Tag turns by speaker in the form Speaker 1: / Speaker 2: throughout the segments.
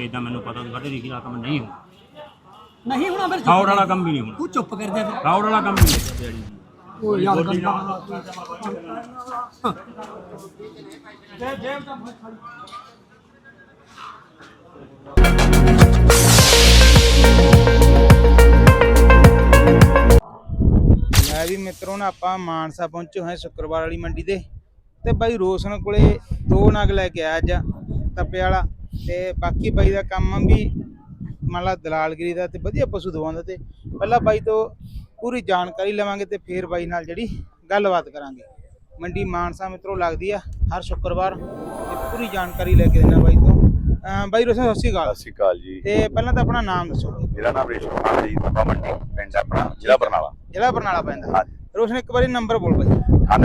Speaker 1: ਭੇਜਦਾ ਮੈਨੂੰ ਪਤਾ ਸਾਡੇ ਦੀ ਦਾ ਕੰਮ ਨਹੀਂ ਹੋਣਾ
Speaker 2: ਨਹੀਂ ਹੋਣਾ ਫਿਰ
Speaker 1: ਫਰਾਡ ਵਾਲਾ ਕੰਮ ਵੀ ਨਹੀਂ ਹੋਣਾ
Speaker 2: ਤੂੰ ਚੁੱਪ ਕਰ ਜਾ ਫਿਰ
Speaker 1: ਫਰਾਡ ਵਾਲਾ ਕੰਮ ਵੀ ਨਹੀਂ ਦਿਹਾੜੀ
Speaker 2: ਉਹ ਯਾਰ
Speaker 3: मैं भी मित्रों ने आप मानसा पहुंचे हैं शुक्रवार वाली मंडी दे ते भाई रोशन कोले 2 नग लैके आया अज तपे वाला ते बाकी भाई का काम भी मान ला दलालगिरी का ते वधिया पशु दवाउंदा ते पहला भाई तो पूरी जानकारी लवांगे ते फिर भाई नाल जिहड़ी गलबात करांगे। मंडी मानसा मित्रों लगदी है हर शुक्रवार ते पूरी जानकारी लेके देना भाई तो भाई रोशन सत श्री अकाल
Speaker 4: जी।
Speaker 3: ते पहला तो अपना नाम दसो।
Speaker 4: मेरा नाम रेशम खान है जी, तपा मंडी पिंड अपना जिला बरनाला पैंदा।
Speaker 3: हाँ जी रोशन एक बारी नंबर बोल भाई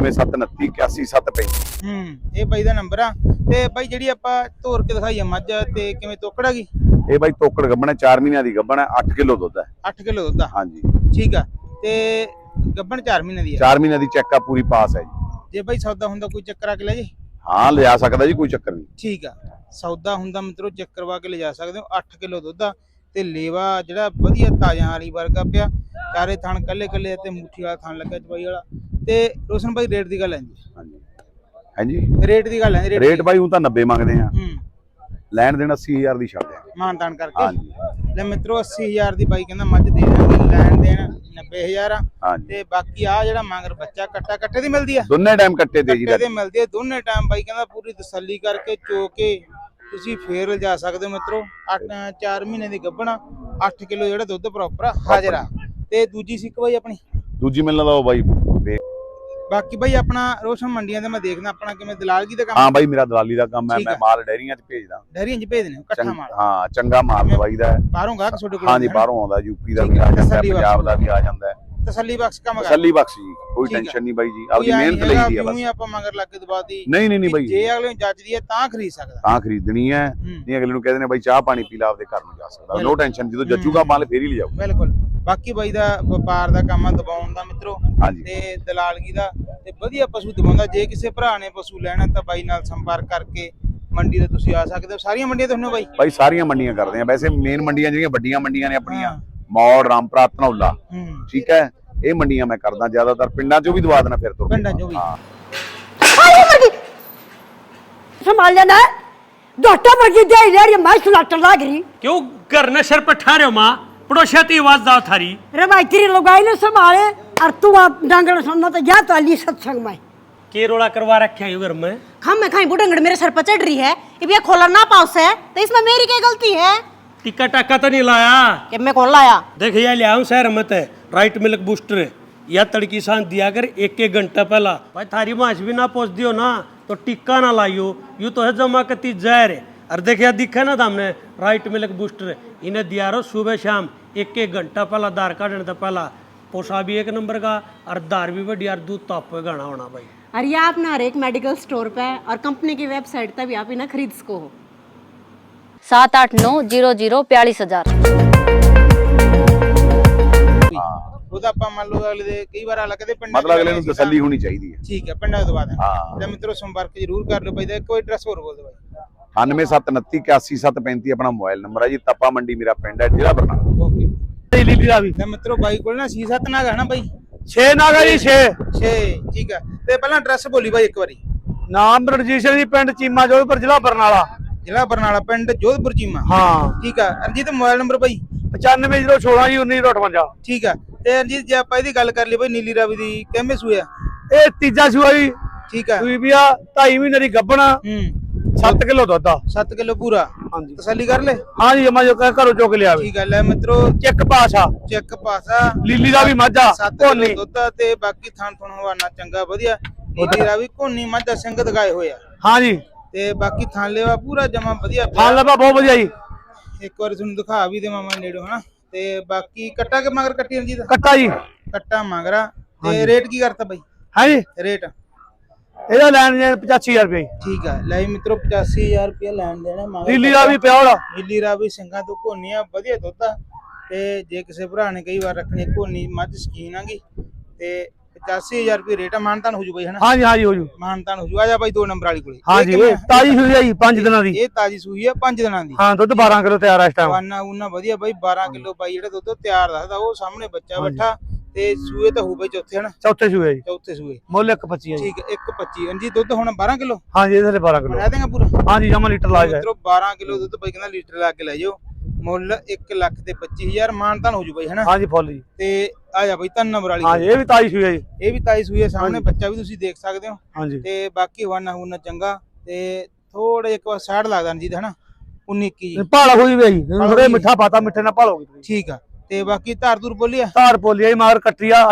Speaker 4: 9729818735
Speaker 3: ਇਹ ਬਾਈ ਦਾ ਨੰਬਰ ਆ ਤੇ ਬਾਈ ਜਿਹੜੀ ਆਪਾਂ ਧੋਰ ਕੇ ਦਿਖਾਈ ਆ ਮੱਝ ਤੇ ਕਿਵੇਂ ਤੋਕੜਾ ਗਈ
Speaker 4: ਇਹ ਬਾਈ ਤੋਕੜ ਗੱਬਣ ਹੈ 4 ਮਹੀਨਿਆਂ ਦੀ ਗੱਬਣ ਹੈ 8 ਕਿਲੋ ਦੁੱਧ ਹੈ
Speaker 3: 8 ਕਿਲੋ ਦੁੱਧ ਆ
Speaker 4: ਹਾਂਜੀ
Speaker 3: ਠੀਕ ਆ ਤੇ ਗੱਬਣ 4 ਮਹੀਨੇ ਦੀ ਆ
Speaker 4: 4 ਮਹੀਨਿਆਂ ਦੀ ਚੈੱਕ ਆ ਪੂਰੀ ਪਾਸ ਹੈ ਜੀ।
Speaker 3: ਜੇ ਬਾਈ ਸੌਦਾ ਹੁੰਦਾ ਕੋਈ ਚੱਕਰ ਆ ਕੇ ਲੈ ਜੇ
Speaker 4: ਹਾਂ ਲਿਜਾ ਸਕਦਾ ਜੀ ਕੋਈ ਚੱਕਰ ਨਹੀਂ
Speaker 3: ਠੀਕ ਆ ਸੌਦਾ ਹੁੰਦਾ ਮਿੱਤਰੋ ਚੈੱਕ ਕਰਵਾ ਕੇ ਲਿਜਾ ਸਕਦੇ ਹੋ 8 ਕਿਲੋ ਦੁੱਧ ਆ ਤੇ ਲੇਵਾ ਜਿਹੜਾ ਵਧੀਆ ਤਾਜ਼ਾ ਵਾਲੀ ਵਰਗਾ ਪਿਆ ਚਾਰੇ ਥਣ ਕੱਲੇ ਕੱਲੇ ਤੇ ਮੁੱਠੀ ਵਾਲਾ ਥਣ ਲੱਗਾ ਚਵਾਈ ਵਾਲਾ ਤੇ ਰੋਸ਼ਨ ਬਾਈ ਰੇਟ ਦੀ ਗੱਲ ਆਂਦੀ
Speaker 4: ਹਾਂਜੀ ਹਾਂਜੀ
Speaker 3: ਰੇਟ ਦੀ ਗੱਲ ਆਂਦੀ
Speaker 4: ਰੇਟ ਬਾਈ ਹੁਣ ਤਾਂ 90 ਮੰਗਦੇ ਆ ਲੈਣ ਦੇਣ 80000 ਦੀ ਛੱਡ ਦਿਆਂਗੇ
Speaker 3: ਮਾਨਤਾਨ ਕਰਕੇ
Speaker 4: ਹਾਂਜੀ
Speaker 3: ਲੈ ਮਿੱਤਰੋ 80000 ਦੀ ਬਾਈ ਕਹਿੰਦਾ ਮੱਝ ਦੇ ਦਾਂਗੇ ਲੈਣ ਦੇਣ 90000 ਆ
Speaker 4: ਹਾਂਜੀ
Speaker 3: ਤੇ ਬਾਕੀ ਆ ਜਿਹੜਾ ਮੰਗਰ ਬੱਚਾ ਕੱਟੇ ਦੀ ਮਿਲਦੀ ਆ
Speaker 4: ਦੋਨੇ ਟਾਈਮ ਕੱਟੇ ਤੇ ਜੀ
Speaker 3: ਕੱਟੇ ਦੀ ਮਿਲਦੀ ਆ ਦੋਨੇ ਟਾਈਮ ਬਾਈ ਕਹਿੰਦਾ ਪੂਰੀ ਤਸੱਲੀ ਕਰਕੇ ਚੋ ਕੇ ਤੁਸੀਂ ਫੇਰ ਜਾ ਸਕਦੇ ਹੋ ਮਿੱਤਰੋ 4 ਮਹੀਨੇ ਦੀ ਗੱਭਣਾ 8 ਕਿਲੋ ਜਿਹੜਾ ਦੁੱਧ ਪ੍ਰੋਪਰ ਹਾਜ਼ਰ ਆ ਤੇ ਦੂਜੀ ਸਿੱਕ ਬਾਈ ਆਪਣੀ
Speaker 4: ਦੂਜੀ ਮਿਲਣਾ ਦਾ ਉਹ ਬਾਈ
Speaker 3: ਬਾਕੀ ਬਾਈ ਆਪਣਾ ਰੋਸ਼ਨ ਮੰਡੀਆਂ ਤੇ ਮੈਂ ਦੇਖਦਾ ਆਪਣਾ ਕਿਵੇਂ ਦਲਾਲਗੀ ਦਾ ਕੰਮ
Speaker 4: ਹਾਂ ਬਾਈ ਮੇਰਾ ਦਲਾਲੀ ਦਾ ਕੰਮ ਹੈ ਮੈਂ ਮਾਲ ਡੈਰੀਆਂ 'ਚ ਭੇਜਦਾ
Speaker 3: ਡੈਰੀਆਂ 'ਚ ਭੇਜਦੇ ਨੇ ਇਕੱਠਾ ਮਾਲ
Speaker 4: ਹਾਂ ਚੰਗਾ ਮਾਲ ਦਵਾਈਦਾ
Speaker 3: ਬਾਹਰੋਂ ਗਾਹਕ ਤੁਹਾਡੇ ਕੋਲ
Speaker 4: ਹਾਂਜੀ ਬਾਹਰੋਂ ਆਉਂਦਾ ਯੂਪੀ ਦਾ ਵੀ ਆ ਜਾਂਦਾ ਪੰਜਾਬ ਦਾ ਵੀ ਆ ਜਾਂਦਾ
Speaker 3: ਤਸੱਲੀ ਬਖਸ਼ ਕੰਮ ਕਰ
Speaker 4: ਤਸੱਲੀ ਬਖਸ਼ ਜੀ ਕੋਈ ਟੈਨਸ਼ਨ ਨਹੀਂ ਬਾਈ ਜੀ ਆਪਦੀ ਮਿਹਨਤ ਲਈ ਦੀ ਆ ਬਸ
Speaker 3: ਆਪਾਂ ਮੰਗਰ ਲੱਗ ਕੇ ਦਵਾਤੀ
Speaker 4: ਨਹੀਂ ਬਾਈ
Speaker 3: ਜੇ ਅਗਲੇ ਨੂੰ ਜੱਜਦੀ ਹੈ ਤਾਂ ਖਰੀਦ ਸਕਦਾ
Speaker 4: ਤਾਂ ਖਰੀਦਣੀ ਹੈ ਨਹੀਂ ਅਗਲੇ ਨੂੰ ਕਹਿੰਦੇ ਨੇ ਬਾਈ ਚਾਹ ਪਾਣੀ ਪੀ ਲਾ ਆਪਦੇ ਘਰ ਨੂੰ ਜਾ ਸਕਦਾ ਨੋ ਟੈਨਸ਼ਨ ਜਦੋਂ ਜੱਜੂਗਾ ਮਾਲ ਫੇਰ ਹੀ ਲਿਜਾਓ
Speaker 3: ਬਿਲਕੁਲ ਬਾਕੀ ਬਾਈ ਦਾ ਵਪਾਰ ਦਾ ਕੰਮ ਆ ਦਬਾਉਣ ਦਾ ਮਿੱਤਰੋ
Speaker 4: ਹਾਂਜੀ
Speaker 3: ਤੇ ਦਲਾਲਗੀ ਦਾ ਤੇ ਵਧੀਆ ਪਸ਼ੂ ਦਵਾਉਂਦਾ ਜੇ ਕਿਸੇ ਭਰਾ ਨੇ ਪਸ਼ੂ ਲੈਣਾ ਤਾਂ ਬਾਈ ਨਾਲ ਸੰਪਰਕ ਕਰਕੇ ਮੰਡੀ ਤੇ ਤੁਸੀਂ ਆ ਸਕਦੇ ਹੋ ਸਾਰੀਆਂ ਮੰਡੀਆਂ ਤੋਂ ਹੁੰਨੇ
Speaker 4: ਬਾਈ ਸਾਰੀਆਂ ਮੰਡੀਆਂ ਕਰਦੇ ਆ ਵੈਸੇ ਮੇਨ ਮੰਡੀਆਂ ਜਿਹੜੀਆਂ ਵੱਡੀਆਂ ਮੰਡੀਆਂ ਨੇ ਆਪਣੀਆਂ ਮੌੜ ਰਾਮਪੁਰਾ ਧਨੌਲਾ ਠੀਕ ਹੈ ਇਹ ਮੰਡੀਆਂ ਮੈਂ ਕਰਦਾ ਜ਼ਿਆਦਾਤਰ ਪਿੰਡਾਂ 'ਚੋਂ ਵੀ ਦਵਾ ਦੇਣਾ ਫਿਰ ਤੋਂ
Speaker 3: ਪਿੰਡਾਂ 'ਚੋਂ ਵੀ
Speaker 5: संभाल लेना है डॉक्टर वर्गी दे ले रही मैं सुलाटर लाग रही
Speaker 2: क्यों घर ने सर पर ठारे हो माँ पड़ोसियाती आवाज दाव थारी
Speaker 5: रे भाई तेरी लगाई ने संभाले और तू आप डांगड़ सुनना तो जा तो अली सत्संग में
Speaker 2: के रोड़ा करवा रखे हैं घर में
Speaker 6: हम मैं खाई बुढ़ंगड़ मेरे सर पर चढ़ रही है ये खोला ना पाउस है तो इसमें मेरी क्या गलती है
Speaker 2: टिक्का टाका तो नहीं लाया
Speaker 6: कि मैं कौन लाया
Speaker 2: देख ये ले आऊं शहर मत है राइट मिल्क बूस्टर या तड़की सांस दिया कर 1-1 घंटा पहला भाई थारी माछ भी ना पहुंच दियो ना तो टिक्का ना लाइयो यूं तो है जमा कती जहर है और देखिए दिखा ना था हमने राइट मिल्क बूस्टर इन्हें दिया रो सुबह शाम 1-1 घंटा पहला दार काटने तो पहला पोसा भी 1 नंबर का और दार भी बढ़िया और दूध तो आपको गाना होना भाई।
Speaker 6: और ये आप ना हर एक मेडिकल स्टोर पे और कंपनी की वेबसाइट पे भी आप इन्हें खरीद सको हो।
Speaker 7: 78900
Speaker 3: ਉਹਦਾ ਆਪਾਂ ਮੰਨ ਲਓ ਅਗਲੇ ਦੇ ਕਈ ਵਾਰ ਅਲੱਗ ਦੇ ਪਿੰਡ
Speaker 4: ਮਤਲਬ ਅਗਲੇ ਨੂੰ ਤਸੱਲੀ ਹੋਣੀ ਚਾਹੀਦੀ ਹੈ
Speaker 3: ਠੀਕ ਹੈ ਪਿੰਡਾਂ ਤੋਂ ਬਾਅਦ
Speaker 4: ਹਾਂ
Speaker 3: ਤੇ ਮਿੱਤਰੋ ਸੰਪਰਕ ਜ਼ਰੂਰ ਕਰ ਲਓ ਬਾਈ ਦਾ ਕੋਈ ਐਡਰੈਸ ਹੋਰ ਬੋਲ ਦਿਓ ਬਾਈ
Speaker 4: 9729818735 ਆਪਣਾ ਮੋਬਾਈਲ ਨੰਬਰ ਹੈ ਜੀ ਤਪਾ ਮੰਡੀ ਮੇਰਾ ਪਿੰਡ ਹੈ ਜ਼ਿਲ੍ਹਾ ਬਰਨਾਲਾ
Speaker 3: ਓਕੇ ਲੀਲੀ ਦਾ ਵੀ ਤੇ ਮਿੱਤਰੋ ਬਾਈ ਕੋਲ ਨਾ 6-7 ਨਾਗ ਹੈ ਨਾ ਬਾਈ
Speaker 2: 6 नागा जी 6
Speaker 3: ਠੀਕ ਹੈ ਤੇ ਪਹਿਲਾਂ ਐਡਰੈਸ ਬੋਲੀ ਬਾਈ ਇੱਕ ਵਾਰੀ
Speaker 2: नाम रजिस्टर जी पिंड चीमा जोधपुर जिला बरनाला
Speaker 3: ਜ਼ਿਲ੍ਹਾ ਬਰਨਾਲਾ ਪਿੰਡ ਜੋਧਪੁਰ ਚੀਮਾ
Speaker 2: हाँ
Speaker 3: ਠੀਕ ਆ ਰਣਜੀਤ ਮੋਬਾਈਲ ਨੰਬਰ ਬਾਈ
Speaker 2: 9516 जी 1958
Speaker 3: ਠੀਕ ਆ ਤੇ ਰਣਜੀਤ ਜੇ ਆਪਾਂ ਇਹਦੀ ਗੱਲ ਕਰ ਲਈ ਬਾਈ ਨੀਲੀ ਰਾਵੀ ਦੀ ਕਿੰਨੇ ਸੂਆ
Speaker 2: ਇਹ ਤੀਜਾ ਸੂਆ ਜੀ
Speaker 3: ਠੀਕ ਆ
Speaker 2: ਸੂਈ ਵੀ ਆ 2.5 ਮਹੀਨੇ ਦੀ ਗੱਭਣਾ 7 ਕਿਲੋ ਦੁੱਧ ਆ
Speaker 3: 7 ਕਿਲੋ ਪੂਰਾ
Speaker 2: ਹਾਂਜੀ
Speaker 3: ਤਸੱਲੀ ਕਰ ਲੈ
Speaker 2: ਹਾਂ ਜੀ ਮੈਂ ਜੋ ਘਰੋਂ ਚੁੱਕ ਲਿਆ ਵੇ
Speaker 3: ਠੀਕ ਆ ਲੈ ਮਿੱਤਰੋ
Speaker 2: ਚੈੱਕ ਪਾਸਾ
Speaker 3: ਚੈੱਕ ਪਾਸਾ
Speaker 2: ਲੀਲੀ ਦਾ ਵੀ ਮਾਝਾ
Speaker 3: 7 ਕਿਲੋ ਦੁੱਧ ਤੇ ਬਾਕੀ ਥਾਂ ਥਣ ਹਵਾਨਾ ਚੰਗਾ ਵਧੀਆ ਨੀਲੀ ਰਾਵੀ ਕੋਨੀ ਮਾਝਾ ਸਿੰਘ ਦਿਖਾਏ ਹੋਏ ਆ
Speaker 2: ਹਾਂ ਜੀ
Speaker 3: ਤੇ ਬਾਕੀ ਥਾਂ ਲੈਵਾ ਪੂਰਾ ਜਮਾ ਵਧੀਆ
Speaker 2: ਥਾਂ ਲੱਭਾ ਬਹੁਤ ਵਧੀਆ ਜੀ
Speaker 3: ਇੱਕ ਵਾਰ ਤੁਹਾਨੂੰ ਦਿਖਾ ਵੀ ਦੇਵਾਂ ਮੈਂ ਨੇੜੋਂ ਹਨਾ ਤੇ ਬਾਕੀ ਕੱਟਾ ਕੇ ਮਗਰ ਕੱਟੀ ਰਣਜੀਤ
Speaker 2: ਕੱਟਾ ਜੀ
Speaker 3: ਕੱਟਾ ਮਗਰਾ ਤੇ ਰੇਟ ਕੀ ਕਰਤਾ ਬਾਈ
Speaker 2: ਹਾਂ ਜੀ
Speaker 3: ਰੇਟ
Speaker 2: ਇਹਦਾ ਲੈਣ ਜੇ 85000 ਰੁਪਏ
Speaker 3: ਠੀਕ ਆ ਲੈ ਮਿੱਤਰੋ 85000 ਰੁਪਏ ਲੈਣ ਦੇਣਾ ਮਗਰ
Speaker 2: ਲੀਲੀ ਦਾ ਵੀ ਪਿਓਲਾ
Speaker 3: ਨੀਲੀ ਰਾਵੀ ਸਿੰਘਾਂ ਤੋਂ ਘੋਨੀ ਆ ਵਧੀਆ ਦੁੱਧ ਆ ਤੇ ਜੇ ਕਿਸੇ ਭਰਾ ਨੇ ਕਈ ਵਾਰ ਰੱਖਣੀ ਘੋਨੀ ਮੱਝ ਸਕੀਨ ਆਗੀ ਤੇ 85000 ਰੁਪਏ ਰੇਟ ਆ, ਮਾਨਤਾਨ ਹੋ ਜੂ ਬਾਈ ਹਨਾ?
Speaker 7: ਹਾਂਜੀ ਹਾਂਜੀ ਹੋ ਜੂ।
Speaker 3: ਮਾਨਤਾਨ ਹੋ ਜੂ। ਆ ਜਾ ਬਾਈ 2 ਨੰਬਰ ਵਾਲੀ ਕੋਲੇ।
Speaker 7: ਹਾਂਜੀ ਇਹ ਤਾਜੀ ਸੂਈ ਆ ਜੀ 5 ਦਿਨਾਂ ਦੀ।
Speaker 3: ਇਹ ਤਾਜੀ ਸੂਈ ਆ 5 ਦਿਨਾਂ ਦੀ।
Speaker 7: ਹਾਂ ਦੁੱਧ 12 ਕਿਲੋ ਤਿਆਰ ਆ ਇਸ ਟਾਈਮ।
Speaker 3: ਵਾਨਾ ਉਨਾ ਵਧੀਆ ਬਾਈ 12 ਕਿਲੋ ਬਾਈ ਜਿਹੜਾ ਦੁੱਧ ਤਿਆਰ ਦੱਸਦਾ ਉਹ ਸਾਹਮਣੇ ਬੱਚਾ ਬੈਠਾ ਤੇ ਸੂਏ ਤਾਂ ਹੋ ਬਾਈ ਚੌਥੇ ਹਨਾ?
Speaker 7: ਚੌਥੇ ਸੂਏ ਜੀ।
Speaker 3: ਚੌਥੇ ਸੂਏ।
Speaker 7: ਮੁੱਲ 1.25 ਜੀ।
Speaker 3: ਠੀਕ ਹੈ 1.25 ਜੀ ਦੁੱਧ ਹੁਣ 12 ਕਿਲੋ
Speaker 7: ਹਾਂਜੀ ਇਹਦੇ ਥੱਲੇ 12 ਕਿਲੋ
Speaker 3: ਰਹਿ ਦੇਗਾ ਪੂਰਾ?
Speaker 7: ਹਾਂਜੀ ਜਮਾ ਲੀਟਰ ਲਾ ਜਾਏ।
Speaker 3: ਮਿੱਤਰੋ 12 ਕਿਲੋ ਦੁੱਧ ਬਾਈ ਕਹਿੰਦਾ ਲੀਟਰ ਲਾ ਕੇ ਲੈ ਜਾਓ। ਮੁੱਲ 1,25,000 ਮਾਨਤਾਨ ਹੋ ਜੂ ਬਾਈ ਹਨਾ?
Speaker 7: ਹਾਂਜੀ ਫੁੱਲ ਜੀ।
Speaker 3: ਤੇ ਆ ਜਾ ਬਾਈ 3 ਨੰਬਰ ਵਾਲੀ।
Speaker 7: ਹਾਂਜੀ ਇਹ ਵੀ ਤਾਜੀ ਸੂਈ ਆ ਜੀ।
Speaker 3: ਇਹ ਵੀ ਤਾਈ ਸੂਈ ਹੈ ਸਾਹਮਣੇ ਬੱਚਾ ਵੀ ਤੁਸੀਂ ਦੇਖ ਸਕਦੇ ਹੋ।
Speaker 7: ਹਾਂਜੀ
Speaker 3: ਤੇ ਬਾਕੀ ਵਾਨਾ ਹੁਨਾ ਚੰਗਾ ਤੇ ਥੋੜਾ ਇੱਕ ਵਾਰ ਸਾਈਡ ਲੱਗਦਾ ਜੀ ਹਨਾ 19-21 ਜੀ।
Speaker 7: ਭਾਲਾ ਹੋਈ ਵੀ ਆ ਜੀ ਥੋੜੇ ਮਿੱਠਾ ਪਾਤਾ ਮਿੱਠੇ ਨਾਲ ਭਾਲ ਹੋ ਗਈ।
Speaker 3: ਠੀਕ ਆ ਤੇ ਬਾਕੀ ਧਾਰ ਧੂਰ ਬੋਲੀ ਆ?
Speaker 7: ਧਾਰ ਪੋਲੀ ਆ ਜੀ ਮਗਰ ਕੱਟੀ ਆ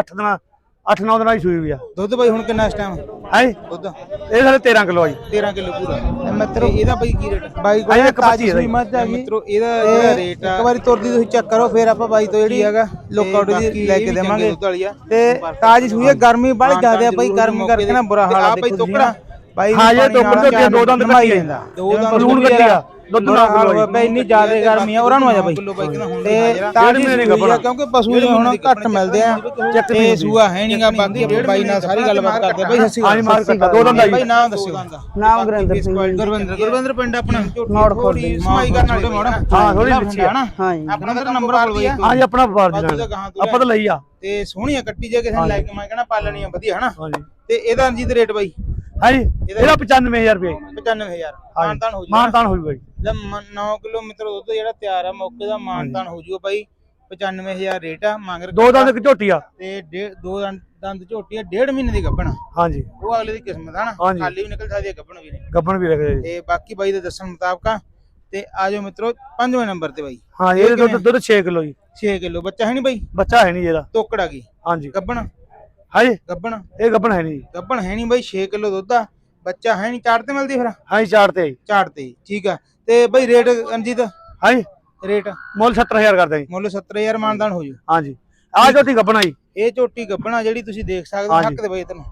Speaker 7: 8-9 ਦਿਨਾਂ ਦੀ ਸੂਈ ਵੀ ਆ।
Speaker 3: ਦੁੱਧ ਬਾਈ ਹੁਣ ਕਿੰਨਾ ਇਸ ਟਾਈਮ
Speaker 7: ਹੈ
Speaker 3: ਦੁੱਧ?
Speaker 7: ਇਹ ਸਾਡੇ 13 ਕਿਲੋ ਆ ਜੀ।
Speaker 3: 13 ਕਿਲੋ ਪੂਰਾ। ਮਿੱਤਰੋ ਇਹਦਾ ਬਾਈ ਕੀ ਰੇਟ? ਬਾਈ ਕੋਲ
Speaker 7: ਇੱਕ
Speaker 3: ਤਾਜੀ
Speaker 7: 25
Speaker 3: ਸੂਈ ਮੱਝ ਆ ਗਈ ਮਿੱਤਰੋ। ਇਹਦਾ ਜਿਹੜਾ ਰੇਟ ਆ ਇੱਕ ਵਾਰੀ ਤੁਰਦੀ ਤੁਸੀਂ ਚੈੱਕ ਕਰੋ ਫਿਰ ਆਪਾਂ ਬਾਈ ਤੋਂ ਜਿਹੜੀ ਹੈਗਾ ਲੁੱਕ ਆਊਟ ਦੀ ਲੈ ਕੇ ਦੇਵਾਂਗੇ। ਤੇ ਤਾਜੀ ਸੂਈ ਹੈ ਗਰਮੀ ਬੜੀ ਜ਼ਿਆਦਾ ਬਾਈ ਗਰਮੀ ਕਰਕੇ ਨਾ ਬੁਰਾ ਹਾਲ ਆ ਬਾਈ ਟੋਕੜਾ ਬਾਈ
Speaker 7: ਹਾਂ ਇਹ ਦੋ ਦੰਦ ਕੱਟੀ ਜਾਂਦਾ
Speaker 3: ਦੋ ਦੰਦ
Speaker 7: ਲੂਣ ਕੱਟੀ ਆ ਦੁੱਧ
Speaker 3: ਬੁਰਾ ਹਾਲ ਹੋਇਆ ਬਾਈ ਇੰਨੀ ਜ਼ਿਆਦਾ ਗਰਮੀ ਆ ਉਹਨਾਂ ਨੂੰ ਆ ਜਾ ਬਾਈ। ਤੇ ਤਾਜੀ ਸੂਈ ਆ ਕਿਉਂਕਿ ਪਸ਼ੂ ਹੁਣ ਘੱਟ ਮਿਲਦੇ ਆ ਤੇ ਸੂਆ ਹੈ ਨਹੀਂਗਾ। ਬਾਕੀ ਬਾਈ ਨਾਲ ਸਾਰੀ ਗੱਲਬਾਤ ਕਰਦੇ ਬਾਈ। ਸੱਸੀ
Speaker 7: ਹਾਂਜੀ ਮਾਰ ਕੱਟਾ ਦੋ ਦੰਦ ਆ
Speaker 3: ਬਾਈ
Speaker 7: ਜੀ।
Speaker 3: ਨਾਮ ਦੱਸਿਓ।
Speaker 5: ਨਾਮ ਗੁਰਿੰਦਰ ਸਿੰਘ।
Speaker 3: ਗੁਰਵਿੰਦਰ ਪਿੰਡ ਆਪਣਾ
Speaker 5: ਮੋੜ ਖੋਲ ਦੇ।
Speaker 3: ਸਮਾਈ ਕਰਨ ਵਾਲੇ ਮੋੜ।
Speaker 7: ਹਾਂ ਥੋੜੀ ਪਿੱਛੇ ਆ।
Speaker 5: ਹਾਂਜੀ
Speaker 3: ਆਪਣਾ ਤਾਂ ਨੰਬਰ ਬੋਲ ਬਾਈ।
Speaker 7: ਹਾਂਜੀ ਆਪਣਾ ਵਪਾਰ ਦੀ ਨਾਲ ਆਪਾਂ ਤਾਂ ਲਈ ਆ।
Speaker 3: ਤੇ ਸੋਹਣੀ ਆ ਕੱਟੀ ਜੇ ਕਿਸੇ ਨੇ ਲੈ ਕੇ ਮੈਂ ਕਹਿੰਦਾ ਪਾਲਣੀ ਆ ਵਧੀਆ ਹਨਾ?
Speaker 7: ਹਾਂਜੀ
Speaker 3: ਤੇ ਇਹਦਾ ਰਣਜੀਤ ਰੇਟ ਬਾਈ?
Speaker 7: ਹਾਂਜੀ ਇਹਦਾ 95000 ਰੁਪਏ।
Speaker 3: 95000 ਮਾਨਤਾਨ ਹੋ ਜੂ?
Speaker 7: ਮਾਨਤਾਨ ਹੋ ਜੂ ਬਾਈ।
Speaker 3: ਜਦ 9 ਕਿਲੋਮੀਟਰ ਦੁੱਧ ਜਿਹੜਾ ਤਿਆਰ ਆ ਮੌਕੇ ਦਾ ਮਾਨਤਾਨ ਹੋ ਜੂਗਾ ਬਾਈ। 95000 ਰੇਟ ਆ। ਮੰਗ
Speaker 7: ਦੋ ਦੰਦ ਇੱਕ ਝੋਟੀ ਆ
Speaker 3: ਤੇ ਦੋ ਦੰਦ ਝੋਟੀ ਆ 1.5 ਮਹੀਨੇ ਦੀ ਗੱਭਣ।
Speaker 7: ਹਾਂਜੀ
Speaker 3: ਉਹ ਅਗਲੇ ਦੀ ਕਿਸਮਤ ਆ ਨਾ?
Speaker 7: ਹਾਂਜੀ।
Speaker 3: ਖਾਲੀ ਵੀ ਨਿਕਲ ਸਕਦੀ ਆ ਗੱਭਣ ਵੀ ਨਹੀਂ।
Speaker 7: ਗੱਬਣ ਵੀ ਰੱਖਦੇ ਜੀ।
Speaker 3: ਤੇ ਬਾਕੀ ਬਾਈ ਦੇ ਦੱਸਣ ਮੁਤਾਬਕ ਆ। ਤੇ ਆ ਜਾਓ ਮਿੱਤਰੋ 5ਵੇਂ ਨੰਬਰ ਤੇ ਬਾਈ।
Speaker 7: ਹਾਂ ਇਹ ਦੁੱਧ 6 ਕਿਲੋ ਜੀ।
Speaker 3: 6 ਕਿਲੋ ਬੱਚਾ ਹੈ ਨਹੀਂ ਬਾਈ?
Speaker 7: ਬੱਚਾ ਹੈ ਨਹੀਂ ਇਹਦਾ।
Speaker 3: ਤੋਕੜ ਆ ਗਈ
Speaker 7: ਹਾਂਜੀ
Speaker 3: ਗੱਭਣ?
Speaker 7: ਹਾਂਜੀ
Speaker 3: ਗੱਭਣ
Speaker 7: ਇਹ ਗੱਬਣ ਹੈ ਨਹੀਂ।
Speaker 3: ਗੱਭਣ ਹੈ ਨਹੀਂ ਬਾਈ। 6 ਕਿਲੋ ਦੁੱਧ ਆ ਬੱਚਾ ਹੈ ਨਹੀਂ। ਚਾਰ ਤੇ ਮਿਲਦੀ ਫਿਰ?
Speaker 7: ਹਾਂਜੀ ਚਾਰ ਤੇ
Speaker 3: ਚਾਰ ਤੇ ਠੀਕ ਆ। ਤੇ ਬਾਈ ਰੇਟ ਰਣਜੀਤ
Speaker 7: ਹਾਂਜੀ
Speaker 3: ਰੇਟ?
Speaker 7: ਮੁੱਲ 70000 ਕਰਦੇ ਜੀ।
Speaker 3: ਮੁੱਲ 70000 ਮਾਨਦਾਨ ਹੋ ਜੂ।
Speaker 7: ਹਾਂਜੀ ਆ ਝੋਟੀ ਗੱਬਣ ਆ ਜੀ।
Speaker 3: ਇਹ ਝੋਟੀ ਗੱਭਣਾ ਜਿਹੜੀ ਤੁਸੀਂ ਦੇਖ ਸਕਦੇ ਹੋ ਹੱਕ ਦੇ ਬਾਈ ਤੈਨੂੰ।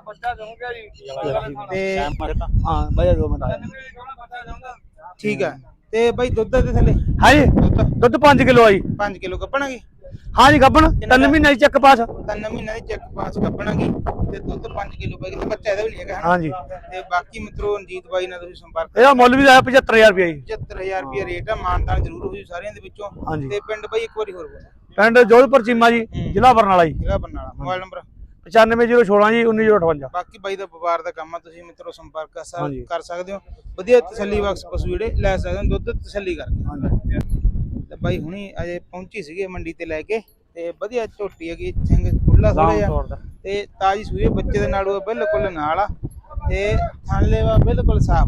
Speaker 3: ਤੇ
Speaker 7: ਹਾਂ ਬਾਈ 2 ਮਿੰਟ ਆ।
Speaker 3: ਠੀਕ ਆ। ਤੇ ਬਾਈ ਦੁੱਧ ਦੇ ਥੱਲੇ
Speaker 7: ਹਾਂਜੀ ਦੁੱਧ 5 ਕਿਲੋ ਆ ਜੀ।
Speaker 3: 5 ਕਿਲੋ ਗੱਭਣਾਗੀ?
Speaker 7: ਹਾਂਜੀ ਗੱਬਣ 3 ਮਹੀਨੇ ਦੀ ਚੱਕ ਪਾਸ।
Speaker 3: 3 ਮਹੀਨੇ ਦੀ ਚੈੱਕ ਪਾਸ ਗੱਭਣਾਗੀ ਤੇ ਦੁੱਧ 5 ਕਿਲੋ ਬਾਈ ਤੇ ਬੱਚਾ ਇਹਦਾ ਵੀ ਨਹੀਂ ਹੈਗਾ ਹਨਾ?
Speaker 7: ਹਾਂਜੀ
Speaker 3: ਤੇ ਬਾਕੀ ਮਿੱਤਰੋ ਰਣਜੀਤ ਬਾਈ ਨਾਲ ਤੁਸੀਂ ਸੰਪਰਕ।
Speaker 7: ਇਹਦਾ ਮੁੱਲ ਵੀ ਆਇਆ 75000 ਰੁਪਏ ਜੀ।
Speaker 3: 75000 ਰੁਪਏ ਰੇਟ ਆ। ਮਾਨਤਾਨ ਜ਼ਰੂਰ ਹੋ ਜੂ ਸਾਰਿਆਂ ਦੇ ਵਿੱਚੋਂ।
Speaker 7: ਹਾਂਜੀ।
Speaker 3: ਤੇ ਪਿੰਡ ਬਾਈ ਇੱਕ ਵਾਰੀ ਹੋਰ ਬੋਲ।
Speaker 7: ਪਿੰਡ ਜੋਧਪੁਰ ਚੀਮਾ ਜੀ ਜ਼ਿਲ੍ਹਾ ਬਰਨਾਲਾ ਜੀ।
Speaker 3: ਜ਼ਿਲ੍ਹਾ ਬਰਨਾਲਾ। ਮੋਬਾਈਲ ਨੰਬਰ
Speaker 7: 95016 ਜੀ 19058।
Speaker 3: ਬਾਕੀ ਬਾਈ ਦਾ ਵਪਾਰ ਦਾ ਕੰਮ ਆ। ਤੁਸੀਂ ਮਿੱਤਰੋ ਸੰਪਰਕ
Speaker 7: ਹਾਂਜੀ।
Speaker 3: ਕਰ ਸਕਦੇ ਹੋ। ਵਧੀਆ ਤਸੱਲੀ ਬਖਸ਼ ਪਸ਼ੂ ਜਿਹੜੇ ਲੈ ਸਕਦੇ ਹੋ ਦੁੱਧ ਤਸੱਲੀ ਕਰਕੇ।
Speaker 7: ਹਾਂਜੀ
Speaker 3: ਤੇ ਬਾਈ ਹੁਣੀ ਅਜੇ ਪਹੁੰਚੀ ਸੀਗੇ ਮੰਡੀ ਤੇ ਲੈ ਕੇ ਤੇ ਵਧੀਆ ਝੋਟੀ ਹੈਗੀ ਸਿੰਘ ਖੁੱਲਾ ਥੋੜਾ ਜਿਹਾ ਤੇ ਤਾਜੀ ਸੂਈ ਬੱਚੇ ਦੇ ਨਾਲ ਉਹ ਬਿਲਕੁਲ ਨਾਲ ਆ ਤੇ ਥਾਂਲੇਵਾ ਬਿਲਕੁਲ ਸਾਫ।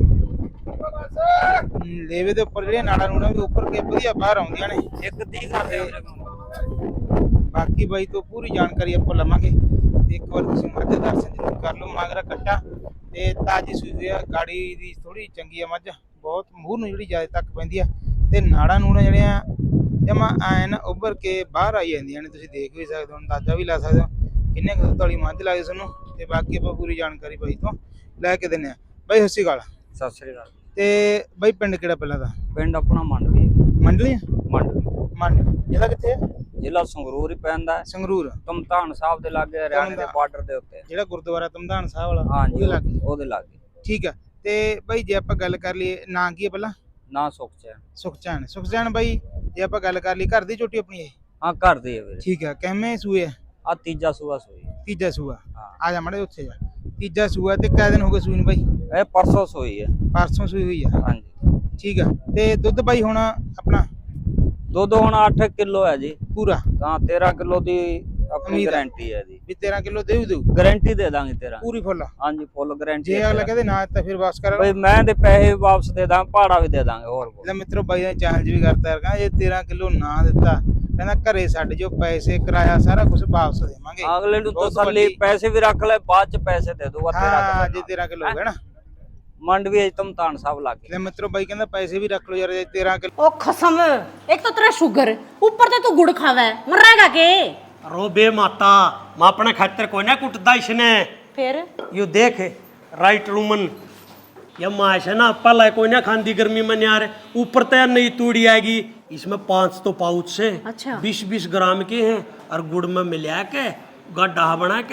Speaker 3: ਲੇਵੇ ਦੇ ਉੱਪਰ ਜਿਹੜੇ ਨਾੜਾ ਨੂੜਾ ਵੀ ਉੱਪਰ ਕੇ ਵਧੀਆ ਬਾਹਰ ਆਉਂਦੀਆਂ ਨੇ। ਇੱਕ 30 ਕਰਦੇ ਬਾਕੀ ਬਾਈ ਤੋਂ ਪੂਰੀ ਜਾਣਕਾਰੀ ਆਪਾਂ ਲਵਾਂਗੇ ਤੇ ਇੱਕ ਵਾਰ ਤੁਸੀਂ ਮੱਝ ਦਾ ਦਰਸ਼ਨ ਜ਼ਰੂਰ ਕਰ ਲਓ। ਮਾਗਰਾ ਕੱਟਾ ਤੇ ਤਾਜੀ ਸੂਈ ਆ। ਗਾੜੀ ਦੀ ਥੋੜੀ ਚੰਗੀ ਆ ਮੱਝ ਬਹੁਤ ਮੂੰਹ ਨੂੰ ਜਿਹੜੀ ਜ਼ਿਆਦਾ ਤੱਕ ਪੈਂਦੀ ਆ ਤੇ ਨਾੜਾ ਨੂੜਾ ਜਿਹੜੀਆਂ ਜਮਾ ਐਨ ਉੱਭਰ ਕੇ ਬਾਹਰ ਆਈ ਜਾਂਦੀਆਂ ਨੇ। ਤੁਸੀਂ ਦੇਖ ਵੀ ਸਕਦੇ ਹੋ ਅੰਦਾਜ਼ਾ ਵੀ ਲਾ ਸਕਦੇ ਹੋ ਕਿੰਨੇ ਕੁ ਦੁੱਧ ਵਾਲੀ ਮੱਝ ਲੱਗਦੀ ਤੁਹਾਨੂੰ। ਤੇ ਬਾਕੀ ਆਪਾਂ ਪੂਰੀ ਜਾਣਕਾਰੀ ਬਾਈ ਤੋਂ ਲੈ ਕੇ ਦਿੰਨੇ ਆ। ਬਾਈ ਸਤਿ ਸ਼੍ਰੀ ਅਕਾਲ।
Speaker 8: ਸਤਿ ਸ੍ਰੀ ਅਕਾਲ।
Speaker 3: ਤੇ ਬਾਈ ਪਿੰਡ ਕਿਹੜਾ ਪਹਿਲਾਂ ਦਾ?
Speaker 8: ਪਿੰਡ ਆਪਣਾ ਮੰਡਵੀ
Speaker 3: ਮੰਡਲੀ?
Speaker 8: ਮੰਡਵੀ
Speaker 3: ਮੰਡ ਜ਼ਿਲ੍ਹਾ ਕਿੱਥੇ ਹੈ?
Speaker 8: ਜ਼ਿਲ੍ਹਾ ਸੰਗਰੂਰ ਹੀ ਪੈਂਦਾ ਹੈ।
Speaker 3: ਸੰਗਰੂਰ।
Speaker 8: ਤਮਤਾਨ ਸਾਹਿਬ ਦੇ ਲਾਗੇ ਹਰਿਆਣੇ ਦੇ ਬਾਰਡਰ ਦੇ ਉੱਤੇ।
Speaker 3: ਜਿਹੜਾ ਗੁਰਦੁਆਰਾ ਤਮਦਾਨ ਸਾਹਿਬ ਵਾਲਾ
Speaker 8: ਹਾਂਜੀ
Speaker 3: ਉਹਦੇ ਲਾਗੇ?
Speaker 8: ਉਹਦੇ ਲਾਗੇ।
Speaker 3: ਠੀਕ ਆ। ਤੇ ਬਾਈ ਜੇ ਆਪਾਂ ਗੱਲ ਕਰ ਲਈਏ ਨਾਂ ਕੀ ਹੈ ਪਹਿਲਾਂ?
Speaker 8: ਨਾ ਸੁਖਚੈਨ।
Speaker 3: ਸੁਖਚੈਨ। ਸੁਖਚੈਨ ਬਾਈ ਜੇ ਆਪਾਂ ਗੱਲ ਕਰ ਲਈ ਘਰ ਦੀ ਝੋਟੀ ਆਪਣੀ ਇਹ?
Speaker 8: ਹਾਂ ਘਰ ਦੀ ਹੈ ਵੀਰੇ।
Speaker 3: ਠੀਕ ਆ। ਕਿੰਨੇ ਸੂਏ ਆ?
Speaker 8: ਆ ਤੀਜਾ ਸੂਆ ਸੂਈ।
Speaker 3: ਤੀਜਾ ਸੂਆ।
Speaker 8: ਹਾਂ
Speaker 3: ਆ ਜਾ ਮੜੇ ਉੱਥੇ ਜਾ। ਤੀਜਾ ਸੂਆ ਤੇ ਕਿੰਨੇ ਦਿਨ ਹੋ ਗਏ ਸੂਈ ਨੂੰ ਬਾਈ?
Speaker 8: ਇਹ ਪਰਸੋਂ ਸੂਈ ਹੈ।
Speaker 3: ਪਰਸੋਂ ਸੂਈ ਹੋਈ ਆ?
Speaker 8: ਹਾਂਜੀ।
Speaker 3: ਠੀਕ ਆ। ਤੇ ਦੁੱਧ ਬਾਈ ਹੁਣ ਆਪਣਾ
Speaker 8: ਦੁੱਧ ਹੁਣ 8 ਕਿਲੋ ਹੈ ਜੀ
Speaker 3: ਪੂਰਾ?
Speaker 8: ਤਾਂ 13 ਕਿਲੋ ਦੀ ਆਪਣੀ
Speaker 3: ਉਮੀਦ ਹੈ।
Speaker 8: ਗਾਰੰਟੀ ਹੈ ਜੀ।
Speaker 3: ਵੀ 13 ਕਿਲੋ ਦੇਊ
Speaker 8: ਗਾਰੰਟੀ ਦੇ ਦਾਂਗੇ 13।
Speaker 3: ਪੂਰੀ ਫੁੱਲ?
Speaker 8: ਹਾਂਜੀ ਫੁੱਲ ਗਾਰੰਟੀ।
Speaker 3: ਜੇ ਅਗਲਾ ਕਹਿੰਦੇ ਨਾ ਤਾਂ ਫਿਰ ਵਾਪਸ ਕਰ
Speaker 8: ਬਈ ਮੈਂ ਦੇ ਪੈਸੇ ਵਾਪਸ ਦੇ ਦਾਂ ਭਾੜਾ ਵੀ ਦੇ ਦਾਂਗੇ ਹੋਰ
Speaker 3: ਲੈ ਮਿੱਤਰੋ ਬਾਈ ਨੇ ਚੈਲੰਜ ਵੀ ਕਰਤਾ ਯਾਰ ਕਹਿੰਦਾ ਜੇ 13 ਕਿਲੋ ਨਾ ਦਿੱਤਾ ਕਹਿੰਦਾ ਘਰੇ ਛੱਡ ਜੋ ਪੈਸੇ ਕਿਰਾਇਆ ਸਾਰਾ ਕੁਝ ਵਾਪਸ ਦੇਵਾਂਗੇ।
Speaker 8: ਅਗਲੇ ਨੂੰ
Speaker 3: ਬਹੁਤ
Speaker 8: ਤਸੱਲੀ
Speaker 3: ਵੱਡੀ-
Speaker 8: ਪੈਸੇ ਵੀ ਰੱਖ ਲੈ ਬਾਅਦ ਚ ਪੈਸੇ ਦੇ ਦੂਗਾ।
Speaker 3: ਹਾਂ ਜੇ 13 ਕਿਲੋ ਹੋ ਗਿਆ ਨਾ
Speaker 8: ਮੰਡਵੀ ਤਮਤਾਨ ਸਾਹਿਬ लागे।
Speaker 3: ले मित्रों भाई कहना पैसे भी रख लो यार 13 किलो।
Speaker 6: ओ कसम, एक तो तेरा शुगर ऊपर से तू गुड़ खावा है, मर रहेगा के?
Speaker 2: रो बे माता मां अपने खातर कोई ना कुटदा इसने।
Speaker 6: फिर
Speaker 2: यू देख राइट रूमन ये माश है ना पहला कोई ना खांदी गर्मी में यार ऊपर तो यार नई तूड़ी आएगी इसमें 5 तो पाउच से
Speaker 6: अच्छा।
Speaker 2: 20-20 ग्राम के हैं और गुड़ में मिला के गड्ढा बना के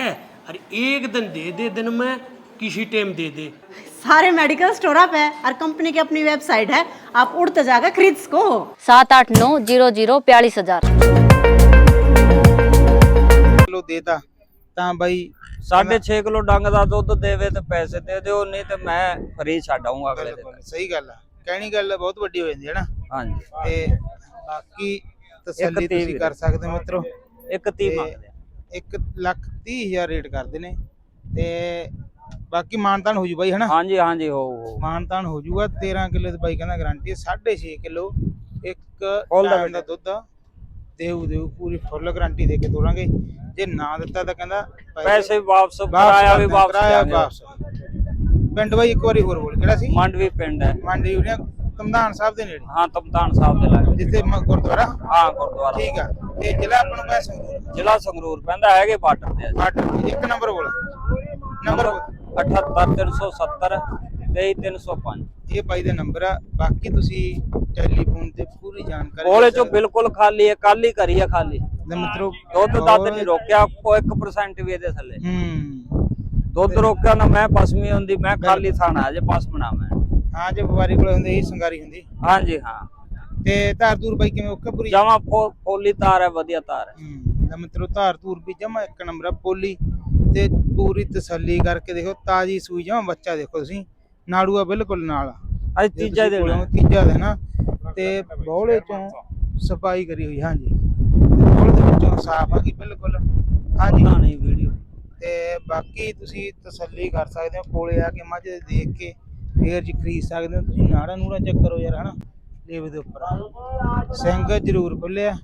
Speaker 2: अरे एक दिन दे दिन में किसी टाइम दे दे।
Speaker 6: सारे मेडिकल स्टोर आप है और कंपनी की अपनी वेबसाइट है, आप उड़ते जाकर खरीद सको।
Speaker 9: 78900
Speaker 3: ਕਿਲੋ ਦੇਤਾ ਤਾਂ ਬਾਈ
Speaker 8: 6.5 ਕਿਲੋ ਡੰਗ ਦਾ ਦੁੱਧ ਦੇਵੇ ਤੇ ਪੈਸੇ ਦੇ ਦਿਓ, ਨਹੀਂ ਤੇ ਮੈਂ ਫਰੀ ਛੱਡ ਆਊਂਗਾ ਅਗਲੇ ਦਿਨ।
Speaker 3: ਸਹੀ ਗੱਲ ਆ, ਕਹਿਣੀ ਗੱਲ ਬਹੁਤ ਵੱਡੀ ਹੋ ਜਾਂਦੀ ਹੈ ਨਾ।
Speaker 8: ਹਾਂਜੀ
Speaker 3: ਤੇ ਬਾਕੀ ਤਸੱਲੀ ਤੁਸੀਂ ਕਰ ਸਕਦੇ ਹੋ ਮਿੱਤਰੋ।
Speaker 8: 1.30 ਮੰਗਦੇ ਆ।
Speaker 3: 1,30,000 ਰੇਟ ਕਰਦੇ ਨੇ ਤੇ ਬਾਕੀ ਮਾਨਤਾਨ ਹੋ ਜੂ ਬਾਈ ਹਨਾ।
Speaker 8: ਹਾਂਜੀ ਹਾਂਜੀ ਹੋ
Speaker 3: ਮਾਨਤਾਨ ਹੋ ਜੂਗਾ। 13 ਕਿਲੋ ਦੀ ਬਾਈ ਕਹਿੰਦਾ ਗਾਰੰਟੀ ਹੈ। 6.5 ਕਿਲੋ ਇੱਕ
Speaker 8: ਫੁੱਲ ਦਾ
Speaker 3: ਟਾਈਮ ਦਾ ਦੁੱਧ ਦੇਊ ਪੂਰੀ ਫੁੱਲ ਗਾਰੰਟੀ ਦੇ ਕੇ ਤੋਰਾਂਗੇ। ਜੇ ਨਾ ਦਿੱਤਾ ਤਾਂ ਕਹਿੰਦਾ
Speaker 8: ਪੈਸੇ ਵਾਪਸ, ਕਿਰਾਇਆ ਵੀ ਵਾਪਸ ਦਿਆਂਗੇ।
Speaker 3: ਵਾਪਸ। ਪਿੰਡ ਬਾਈ ਇੱਕ ਵਾਰੀ ਹੋਰ ਬੋਲ, ਕਿਹੜਾ ਸੀ?
Speaker 8: ਮੰਡਵੀ ਪਿੰਡ ਹੈ।
Speaker 3: ਮੰਡੀ ਯੂਨੀਅਨ ਤਮਦਾਨ ਸਾਹਿਬ ਦੇ ਨੇੜੇ,
Speaker 8: ਹਾਂ ਤਮਤਾਨ ਸਾਹਿਬ ਦੇ ਲਾਗੇ,
Speaker 3: ਜਿੱਥੇ ਗੁਰਦੁਆਰਾ।
Speaker 8: ਹਾਂ ਗੁਰਦੁਆਰਾ।
Speaker 3: ਠੀਕ ਆ। ਤੇ ਜ਼ਿਲ੍ਹਾ ਆਪਾਂ ਨੂੰ ਪੈਸੇ
Speaker 8: ਜ਼ਿਲ੍ਹਾ ਸੰਗਰੂਰ ਪੈਂਦਾ, ਹੈਗੇ ਬਾਰਡਰ ਤੇ।
Speaker 3: 1 ਨੰਬਰ ਬੋਲ, ਨੰਬਰ
Speaker 8: 78370 23305।
Speaker 3: ਇਹ ਬਾਈ ਦਾ ਨੰਬਰ ਆ। ਬਾਕੀ ਤੁਸੀਂ ਟੈਲੀਫੋਨ ਤੇ ਪੂਰੀ ਜਾਣਕਾਰੀ
Speaker 8: ਕੋਲੇ ਚੋਂ ਬਿਲਕੁਲ ਖਾਲੀ ਹੈ, ਕੱਲ ਹੀ ਕਰੀ ਹੈ ਖਾਲੀ।
Speaker 3: ਦੇ ਮਿੱਤਰੋ
Speaker 8: ਦੁੱਧ ਦੱਧ ਨਹੀਂ ਰੋਕਿਆ, ਕੋਈ 1% ਵੀ ਇਹਦੇ ਥੱਲੇ
Speaker 3: ਹੂੰ
Speaker 8: ਦੁੱਧ ਰੋਕਿਆ ਨਾ। ਮੈਂ ਪਸਮੀ ਹੁੰਦੀ, ਮੈਂ ਖਾਲੀ ਥਾਣਾ ਜੇ ਪਸਮਣਾ ਮੈਂ।
Speaker 3: ਹਾਂ ਜੇ ਵਪਾਰੀ ਕੋਲ ਹੁੰਦੇ ਇਹ ਸੰਗਾਰੀ ਹੁੰਦੀ।
Speaker 8: ਹਾਂਜੀ ਹਾਂ।
Speaker 3: ਤੇ ਧਾਰ ਧੂਰ ਬਾਈ ਕਿਵੇਂ ਓਕੇ ਪੂਰੀ?
Speaker 8: ਜਮਾ ਪੋਲੀ ਤਾਰ ਹੈ, ਵਧੀਆ ਤਾਰ ਹੈ।
Speaker 3: ਲੈ ਮਿੱਤਰੋ ਧਾਰ ਧੂਰ ਵੀ ਜਮਾ 1 ਨੰਬਰ ਆ। ਪੋਲੀ ਤੇ ਪੂਰੀ ਤਸੱਲੀ ਕਰਕੇ ਦੇਖੋ, ਤਾਜੀ ਸੂਈ ਜਮਾ। ਬੱਚਾ ਦੇਖੋ ਤੁਸੀਂ, ਨਾੜੂਆ ਬਿਲਕੁਲ ਨਾਲ।
Speaker 8: ਅੱਜ ਤੀਜਾ ਦਿਨ ਹੈ।
Speaker 3: ਤੀਜਾ ਦਿਨ ਆ ਤੇ ਬੌਲੇ ਚੋਂ ਸਫਾਈ ਕਰੀ ਹੋਈ। ਹਾਂਜੀ ਬੌਲੇ ਦੇ ਵਿੱਚੋਂ ਸਾਫ ਆ ਗਈ ਬਿਲਕੁਲ। ਹਾਂਜੀ
Speaker 8: ਨਹੀਂ ਵੀਡੀਓ।
Speaker 3: ਤੇ ਬਾਕੀ ਤੁਸੀਂ ਤਸੱਲੀ ਕਰ ਸਕਦੇ ਹੋ, ਕੋਲੇ ਆ ਕੇ ਮੱਝ ਦੇਖ ਕੇ ਫੇਰ ਜੀ ਖਰੀਦ ਸਕਦੇ ਹੋ ਤੁਸੀਂ। ਨਾੜਾ ਨੂੜਾ ਚੈੱਕ ਕਰੋ ਯਾਰ ਹਨਾ, ਲੇਵੇ ਦੇ ਉੱਪਰ ਸਿੰਘ ਜ਼ਰੂਰ ਖੁੱਲਿਆ।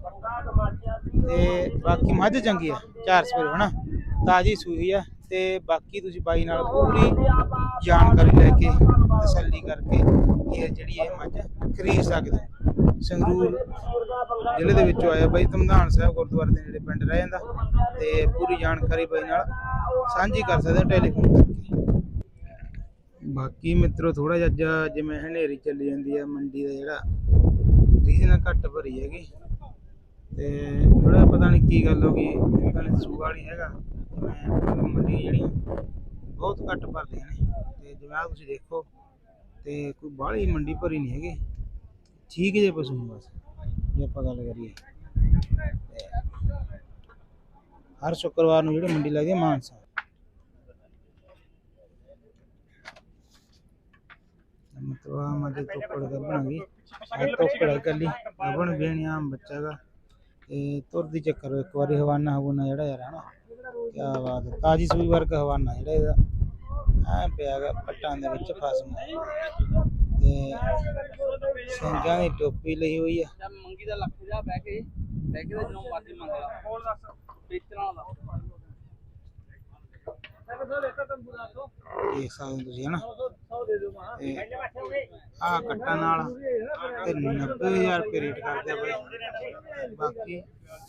Speaker 3: ਤੇ ਬਾਕੀ ਮੱਝ ਚੰਗੀ ਆ, 4 ਸਵੇਰ ਹਨਾ, ਤਾਜੀ ਸੂਈ ਆ। ਤੇ ਬਾਕੀ ਤੁਸੀਂ ਬਾਈ ਨਾਲ ਪੂਰੀ ਜਾਣਕਾਰੀ ਲੈ ਕੇ ਤਸੱਲੀ ਕਰਕੇ ਇਹ ਜਿਹੜੀ ਇਹ ਮੱਝ ਖਰੀਦ ਸਕਦੇ ਹੋ। ਸੰਗਰੂਰ ਜ਼ਿਲ੍ਹੇ ਦੇ ਵਿੱਚੋਂ ਆਇਆ ਬਾਈ, ਤਮਦਾਨ ਸਾਹਿਬ ਗੁਰਦੁਆਰੇ ਦੇ ਨੇੜੇ ਪਿੰਡ ਰਹਿ ਜਾਂਦਾ। ਤੇ ਪੂਰੀ ਜਾਣਕਾਰੀ ਬਾਈ ਨਾਲ ਸਾਂਝੀ ਕਰ ਸਕਦੇ ਹੋ ਟੈਲੀਫੋਨ ਕਰਕੇ। ਬਾਕੀ ਮਿੱਤਰੋ ਥੋੜਾ ਜਿਹਾ ਜਿਵੇਂ ਹਨੇਰੀ ਚੱਲੀ ਜਾਂਦੀ ਆ, ਮੰਡੀ ਦਾ ਜਿਹੜਾ ਰੀਜਨ ਘੱਟ ਭਰੀ ਹੈਗੀ। ਤੇ ਥੋੜਾ ਪਤਾ ਨਹੀਂ ਕੀ ਗੱਲ ਹੋ ਗਈ, ਪਤਾ ਨਹੀਂ ਸੂਆ ਨਹੀਂ ਹੈਗਾ। ਜਿਵੇਂ ਮੰਡੀ ਜਿਹੜੀਆਂ ਬਹੁਤ ਘੱਟ ਭਰਦੀਆਂ ਨੇ। ਤੇ ਜਿਵੇਂ ਆ ਤੁਸੀਂ ਦੇਖੋ, ਤੇ ਕੋਈ ਬਾਹਲੀ ਮੰਡੀ ਭਰੀ ਨਹੀਂ ਹੈਗੀ। ਠੀਕ ਜੇ ਪਸ਼ੂ ਨੇ ਬਸ, ਜੇ ਆਪਾਂ ਗੱਲ ਕਰੀਏ। ਹਰ ਸ਼ੁੱਕਰਵਾਰ ਨੂੰ ਜਿਹੜੀ ਮੰਡੀ ਲੱਗਦੀ ਹੈ ਮਾਨਸਾ। ਮਤਲਬ ਆ ਮੱਝ ਤੋਕੜ ਗੱਭਣਾਂਗੀ, ਤੋਕੜ ਕੱਲੀ ਗੱਭਣ ਵੇਣੀ ਆਮ ਬੱਚਾ ਗਾ। ਤੇ ਤੁਰਦੀ ਚੱਕਰ ਇੱਕ ਵਾਰੀ ਹਵਾਨਾ ਹਵਾਨਾ ਜਿਹੜਾ ਯਾਰ ਹਨਾ, ਕਿਆ ਬਾਤ ਹੈ। ਤਾਜੀ ਸੂਈ ਵਰਗਾ ਹਵਾਨਾ ਜਿਹੜਾ ਇਹਦਾ ਐ ਪਿਆ ਗਾ ਪੱਟਾਂ ਦੇ ਵਿੱਚ ਫਸਮ। ਤੇ ਸਿੰਘਾਂ ਦੀ ਟੋਪੀ ਲਈ ਹੋਈ ਆ।
Speaker 8: ਮੰਗੀ ਦਾ ਲੱਖ ਜਾ ਬਹਿ ਕੇ ਦਾ ਜਦੋਂ ਮਰਜ਼ੀ ਮੰਗ ਲਾ। ਹੋਰ ਦੱਸ ਵੇਚਣਾ ਦਾ
Speaker 3: ਦੇਖ ਸਕਦੇ ਹੋ ਤੁਸੀਂ ਹਨਾ। ਆ ਕੱਟਾਂ ਨਾਲ ਤੇ 90,000 ਰੁਪਏ ਰੇਟ ਕਰਦੇ ਆ ਬਾਈ।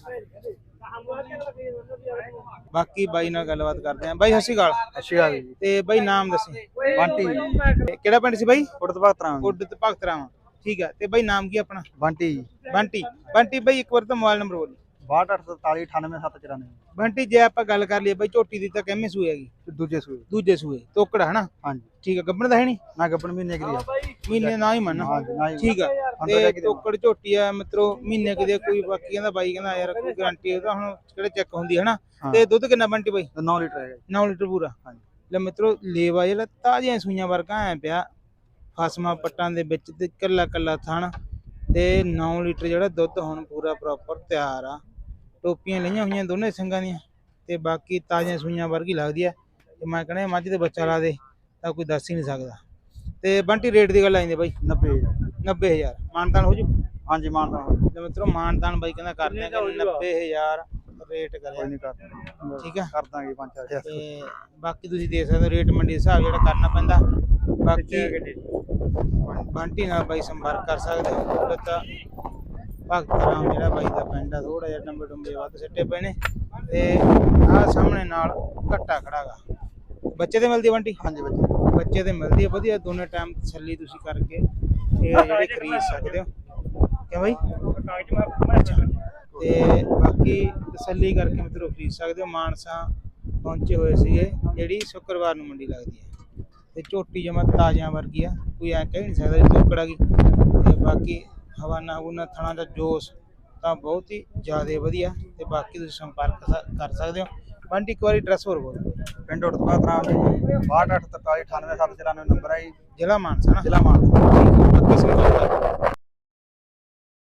Speaker 3: ਬਾਕੀ ਬਾਈ ਨਾਲ ਗੱਲਬਾਤ ਕਰਦੇ ਆ। ਬਾਈ ਸਤਿ ਸ਼੍ਰੀ ਅਕਾਲ।
Speaker 7: ਸਤਿ ਸ਼੍ਰੀ ਅਕਾਲ ਜੀ।
Speaker 3: ਤੇ ਬਾਈ ਨਾਮ ਦੱਸੀ?
Speaker 7: ਬੰਟੀ।
Speaker 3: ਕਿਹੜਾ ਪਿੰਡ ਸੀ ਬਾਈ?
Speaker 7: ਉੜਤ ਭਗਤਰਾਮ।
Speaker 3: ਉੜਤ ਭਗਤਰਾਮ। ਠੀਕ ਆ। ਤੇ ਬਾਈ ਨਾਮ ਕੀ ਆਪਣਾ?
Speaker 7: ਬੰਟੀ।
Speaker 3: ਬੰਟੀ ਬਾਈ ਇੱਕ ਵਾਰ ਤਾਂ ਮੋਬਾਈਲ ਨੰਬਰ ਬੋਲੀ।
Speaker 7: 6244 98794।
Speaker 3: ਬੰਟੀ ਜੇ ਆਪਾਂ ਗੱਲ ਕਰ ਲਈਏ ਬਾਈ ਝੋਟੀ ਦੀ ਤਾਂ ਕਿੰਨੇ ਸੂਏ ਹੈਗੀ? ਦੂਜੇ ਸੂਏ ਤੋਕੜਾ ਹਨਾ।
Speaker 7: ਹਾਂਜੀ
Speaker 3: ਠੀਕ ਆ। ਗੱਬਣ ਦਾ ਹੈ ਨਹੀਂ
Speaker 7: ਨਾ, ਗੱਬਣ ਮਹੀਨੇ ਦੀ ਆ।
Speaker 3: ਮਹੀਨੇ ਨਾ ਹੀ ਮੰਨ। ਠੀਕ ਆ। ਤੇ ਤੋਕੜ ਝੋਟੀ ਆ ਮਿੱਤਰੋ, ਮਹੀਨੇ ਕਿਤੇ ਕੋਈ ਬਾਕੀ ਕਹਿੰਦਾ ਬਾਈ ਕਹਿੰਦਾ ਯਾਰ ਕੋਈ ਗਾਰੰਟੀ ਉਹਦਾ ਹੁਣ ਕਿਹੜੇ ਚੈੱਕ ਹੁੰਦੀ ਹੈ ਹਨਾ। ਤੇ ਦੁੱਧ ਕਿੰਨਾ ਬੰਟੀ ਬਾਈ?
Speaker 7: 9 ਲੀਟਰ ਹੈਗਾ।
Speaker 3: 9 ਲੀਟਰ ਪੂਰਾ। ਹਾਂਜੀ ਲੈ ਮਿੱਤਰੋ, ਲੇਵਾ ਜਿਹੜਾ ਤਾਜ਼ੀਆਂ ਸੂਈਆਂ ਵਰਗਾ ਐ ਪਿਆ, ਫਸਮਾ ਪੱਟਾਂ ਦੇ ਵਿੱਚ ਤੇ ਕੱਲਾ ਕੱਲਾ ਥਣ। ਤੇ 9 ਲੀਟਰ ਜਿਹੜਾ ਦੁੱਧ ਹੁਣ ਪੂਰਾ ਪ੍ਰੋਪਰ ਤਿਆਰ ਆ। ਟੋਪੀਆਂ ਲਈਆਂ ਹੋਈਆਂ ਦੋਨੇ ਸਿੰਘਾਂ ਦੀਆਂ। ਤੇ ਬਾਕੀ ਤਾਜ਼ੀਆਂ ਸੂਈਆਂ ਵਰਗੀ ਲੱਗਦੀ ਆ। ਤੇ ਮੈਂ ਕਹਿੰਦਾ ਮੱਝ ਦੇ ਬੱਚਾ ਲਾ ਦੇ ਤਾਂ ਕੋਈ ਦੱਸ ਹੀ ਨਹੀਂ ਸਕਦਾ। ਤੇ ਬੰਟੀ ਰੇਟ ਦੀ ਗੱਲ ਆਈਂਦੇ ਬਾਈ? 90,000 ਮਾਨਤਾਨ ਹੋ ਜੂ?
Speaker 7: ਹਾਂਜੀ ਮਾਨਤਾਨ।
Speaker 3: ਤੇ ਮਿੱਤਰੋ ਮਾਨਤਾਨ ਬਾਈ ਕਹਿੰਦਾ ਕਰਦੇ ਆ 90,000 ਰੇਟ ਕਰਿਆ। ਠੀਕ ਆ,
Speaker 7: ਕਰ ਦਾਂਗੇ 5-4
Speaker 3: ਤੇ ਬਾਕੀ ਤੁਸੀਂ ਦੇਖ ਸਕਦੇ ਹੋ ਰੇਟ ਮੰਡੀ ਦੇ ਹਿਸਾਬ ਜਿਹੜਾ ਕਰਨਾ ਪੈਂਦਾ। ਬਾਕੀ ਬੰਟੀ ਨਾਲ ਬਾਈ ਸੰਪਰਕ ਕਰ ਸਕਦੇ ਹੋ। ਤਾਂ ਭਗਤਰਾਮ ਜਿਹੜਾ ਬਾਈ ਦਾ ਪਿੰਡ ਆ, ਥੋੜਾ ਜਿਹਾ ਡੰਬੇ ਵੱਧ ਸਿੱਟੇ ਪਏ ਨੇ। ਤੇ ਆਹ ਸਾਹਮਣੇ ਨਾਲ ਘੱਟਾ ਖੜਾ ਗਾ। ਬੱਚੇ ਤੇ ਮਿਲਦੀ ਬੰਟੀ?
Speaker 7: ਹਾਂਜੀ
Speaker 3: ਬੱਚੇ ਤੇ ਮਿਲਦੀ ਹੈ ਵਧੀਆ। ਦੋਨੇ ਟਾਈਮ ਤਸੱਲੀ ਤੁਸੀਂ ਕਰਕੇ ਇਹ ਜਿਹੜੇ ਖਰੀਦ ਸਕਦੇ ਹੋ। ਕਿਉਂ ਬਾਈ? ਤੇ ਬਾਕੀ ਤਸੱਲੀ ਕਰਕੇ ਮਿੱਤਰੋ ਖਰੀਦ ਸਕਦੇ ਹੋ। ਮਾਨਸਾ ਪਹੁੰਚੇ ਹੋਏ ਸੀਗੇ, ਜਿਹੜੀ ਸ਼ੁੱਕਰਵਾਰ ਨੂੰ ਮੰਡੀ ਲੱਗਦੀ ਹੈ ਤੇ ਝੋਟੀ ਜਮਾ ਤਾਜ਼ਿਆਂ ਵਰਗੀ ਆ, ਕੋਈ ਐ ਕਹਿ ਨਹੀਂ ਸਕਦਾ ਜੀ ਤੋਕੜਾ ਗਈ। ਤੇ ਬਾਕੀ ਹਵਾਨਾ ਹਵੂਨਾ ਥਣਾ ਦਾ ਜੋਸ਼ ਤਾਂ ਬਹੁਤ ਹੀ ਜ਼ਿਆਦਾ ਵਧੀਆ। ਤੇ ਬਾਕੀ ਤੁਸੀਂ ਸੰਪਰਕ ਕਰ ਸਕਦੇ ਹੋ। ਬੰਟੀ ਇੱਕ ਵਾਰੀ ਐਡਰੈਸ ਹੋਰ ਬੋਲ।
Speaker 7: ਪਿੰਡ ਉੜਤਪਾ ਤਰਾਮ ਜੀ 6243 98794 ਨੰਬਰ ਹੈ ਜੀ।
Speaker 3: ਜ਼ਿਲ੍ਹਾ ਮਾਨਸਾ ਨਾ।
Speaker 7: ਜ਼ਿਲ੍ਹਾ ਮਾਨਸਾ।
Speaker 3: ਬਾਕੀ ਸੰਪਰਕ